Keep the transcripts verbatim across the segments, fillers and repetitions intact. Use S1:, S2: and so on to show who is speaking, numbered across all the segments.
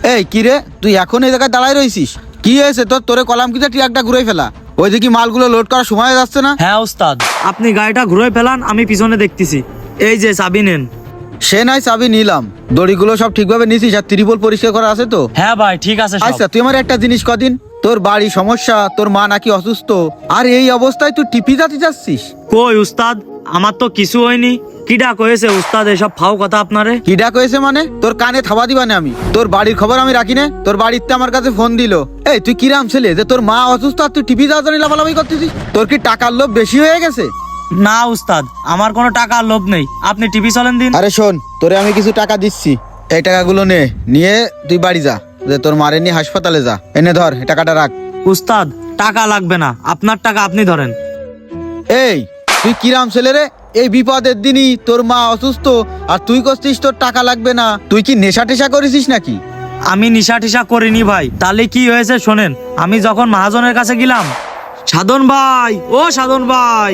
S1: এই কিরে, তুই এখন এই জায়গায় দাঁড়ায় রইছিস? কি হয়েছে তোর? তোরে কলাম কিটা ট্রাকটা ঘুরে ফেলা। ওই দিকে মালগুলো লোড করার সময় যাচ্ছে না?
S2: হ্যাঁ উস্তাদ, আপনি গাড়িটা ঘুরে ফেলান, আমি পিছনে দেখতেছি। এই যে চাবি নেন।
S1: সে নাই চাবি নিলাম, দড়িগুলো সব ঠিকভাবে নিছিস আর ত্রিপল পরিষ্কার করা আছে তো?
S2: হ্যাঁ ভাই ঠিক আছে সব।
S1: আচ্ছা তুই আমার একটা জিনিস কদিন, তোর বাড়ি সমস্যা, তোর মা নাকি অসুস্থ, আর এই অবস্থায় তুই টিপি যাতে যাচ্ছিস?
S2: কই উস্তাদ, আমার তো কিছু হয়নি। কিডা কয়েছে উস্তাদ এসব ফাও কথা আপনারে?
S1: কি ডাক হয়েছে মানে? তোর কানে থাবা দিবানে আমি? তোর বাড়ির খবর আমি রাখি না? তোর বাড়িতে আমার কাছে ফোন দিল। এই তুই কিরাম ছেলে যে তোর মা অসুস্থ আর তুই টিভি যাওয়ার লাফালাফি করতেছিস? তোর কি টাকার লোভ বেশি হয়ে গেছে?
S2: না উস্তাদ, আমার কোনো টাকার লোভ নেই, আপনি টিভি চলেন দিন।
S1: আরে শোন, তোরে আমি কিছু টাকা দিচ্ছি, এই টাকাগুলো নে, নিয়ে তুই বাড়ি যা, যে তোর মারে নিয়ে হাসপাতালে যা। এনে ধর, এই টাকাটা রাখ।
S2: উস্তাদ টাকা লাগবে না, আপনার টাকা আপনি ধরেন।
S1: এই তুই কিরাম ছেলে রে? এই বিপদের দিনই তোর মা অসুস্থ আর তুই করছিস তোর টাকা লাগবে না? তুই কি নেশা টেশা করেছিস নাকি?
S2: আমি নিশা টিশা করিনি ভাই। তাহলে কি হয়েছে শোনেন, আমি যখন মহাজনের কাছে গেলাম, সাধন ভাই, ও সাধন ভাই,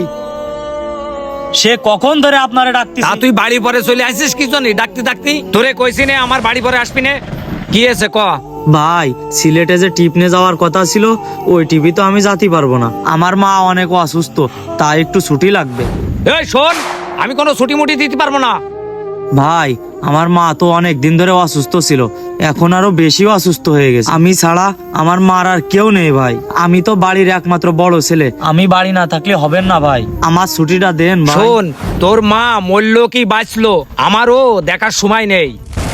S2: সে কখন ধরে আপনারে ডাকতেছে।
S3: তা তুই বাড়ি পরে চলে আসিস কি জন্য? ডাকতে ডাকতে তোরে কইছি না আমার বাড়ি পরে আসবি না? কি আছে ক?
S2: ভাই সিলেটে যে টিপ নিয়ে যাওয়ার কথা ছিল, ওই টিভি তো আমি যেতে পারবো না। আমার মা অনেক অসুস্থ, তাই একটু ছুটি লাগবে।
S3: এই শোন, আমি কোনো ছুটি মুটি দিতে পারবো না।
S2: ভাই আমার মা তো অনেক দিন ধরে অসুস্থ ছিল, এখন আরো বেশি অসুস্থ হয়ে গেছে। আমি ছাড়া আমার মার আর কেউ নেই ভাই। আমি তো বাড়ির একমাত্র বড় ছেলে, আমি বাড়ি না থাকলে হবেন না ভাই। আমার ছুটিটা দেন ভাই।
S3: শোন, তোর মা মরল কি বাঁচলো আমারও দেখার সময় নেই।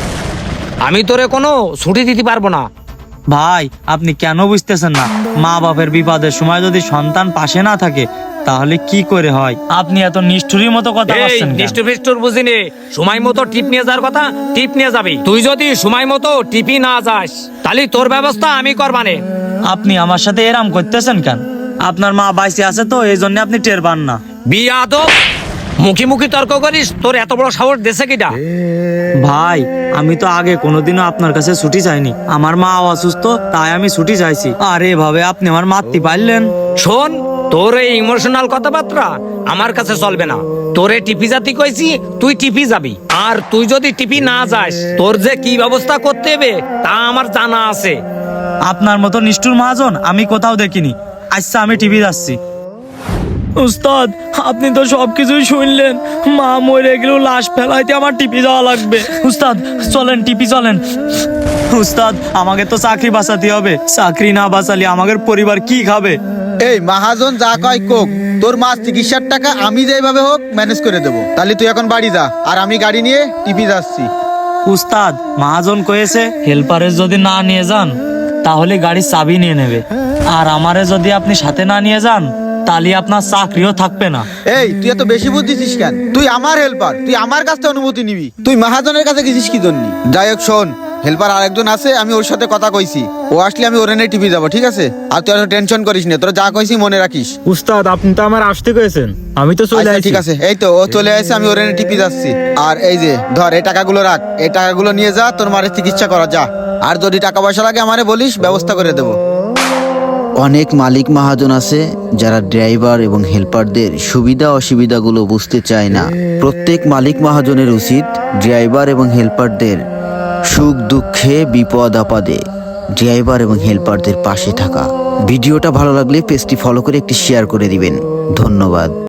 S3: আমি তোরে কোনো ছুটি দিতে পারবো না।
S2: ভাই আপনি কেন বুঝতেছেন না? মা বাপের বিপদের সময় যদি সন্তান পাশে না থাকে তাহলে কি করে হয়? আপনি এত নিষ্ঠুরির মতো কথা
S3: এই
S2: বলছেন কেন?
S3: নিষ্ঠুর ফিষ্ঠুর বুঝিনি। সময় মতো টিপ নিয়ে যাওয়ার কথা টিপ নিয়ে যাবি। তুই যদি সময় মতো টিপি না যাস তাহলে তোর ব্যবস্থা আমি করবানে।
S2: আপনি আমার সাথে এরাম করতেছেন কেন? আপনার মা বাইসে আছে তো, এই জন্য আপনি টের পান না।
S3: বিয়াদব, মুখি মুখি তর্ক করিস? তোর এত বড় সাহস দেশে কিটা?
S2: ভাই আমি তো আগে কোনোদিনও আপনার কাছে ছুটি চাইনি। আমার মা অসুস্থ তাই আমি ছুটি চাইছি, আর এভাবে আপনি আমার মারতে পারলেন।
S3: শোন, তোর এই ইমোশনাল কথাবার্তা আমার কাছে চলবে না। তোরে টিপি জাতি কইছি, তুই টিপি যাবি। আর তুই যদি টিপি না যাস তোর যে কি ব্যবস্থা করতে হবে তা আমার জানা আছে।
S2: আপনার মতো নিষ্ঠুর মহাজন আমি কোথাও দেখিনি। আচ্ছা আমি টিভি যাচ্ছি। উস্তাদ আপনি তো সবকিছুই শুনলেন, মা মরে গেলেও লাশ ফেলাইতে আমার টিপি যাওয়া লাগবে। উস্তাদ চলেন, টিপি চলেন। উস্তাদ আমাকে তো চাকরি বাঁচাতে হবে, চাকরি না বাঁচালে আমাদের পরিবার কি খাবে?
S1: এই মাহাজন যা কয় কোক, তোর মা চিকিৎসার টাকা আমি যেভাবে হোক ম্যানেজ করে দেবো। তাহলে তুই এখন বাড়ি যা, আর আমি গাড়ি নিয়ে টিপি যাচ্ছি।
S2: উস্তাদ মহাজন কয়েছে হেল্পারের যদি না নিয়ে যান তাহলে গাড়ির চাবি নিয়ে নেবে, আর আমারে যদি আপনি সাথে না নিয়ে যান তাহলে আপনার চাকরিও থাকবে না।
S1: এই তুই এত বেশি বুঝছিস কেন? তুই আমার হেল্পার, তুই আমার কাছ থেকে অনুমতি নিবি। তুই মহাজনের কাছে গেছিস কি জন্য? যাই হোক শোন, হেল্পার আরেকজন আছে, আমি ওর সাথে কথা কইছি, ও আসলে আমি ওর এনে টিপি যাবো, ঠিক আছে? আর তুই টেনশন করিস না, তোরা যা কইছি মনে রাখিস।
S4: উস্তাদ আপনি তো আমার আসতে কয়েছেন, আমি তো চলে
S1: আচ্ছা,
S4: আসি।
S1: ঠিক আছে, এই তো ও চলে আসছে, আমি ওর এনে টিপি যাচ্ছি। আর এই যে ধর, এই টাকাগুলো রাখ, এই টাকাগুলো নিয়ে যা, তোর মায়ের চিকিৎসা করা যা। আর যদি টাকা পয়সা লাগে আমারে বলিস, ব্যবস্থা করে দেবো।
S5: অনেক মালিক মহাজন আছে যারা ড্রাইভার এবং হেল্পারদের সুবিধা অসুবিধাগুলো বুঝতে চায় না। প্রত্যেক মালিক মহাজনের উচিত ড্রাইভার এবং হেল্পারদের সুখ দুঃখে বিপদ আপদে ড্রাইভার এবং হেল্পারদের পাশে থাকা। ভিডিওটা ভালো লাগলে পেজটি ফলো করে একটি শেয়ার করে দিবেন। ধন্যবাদ।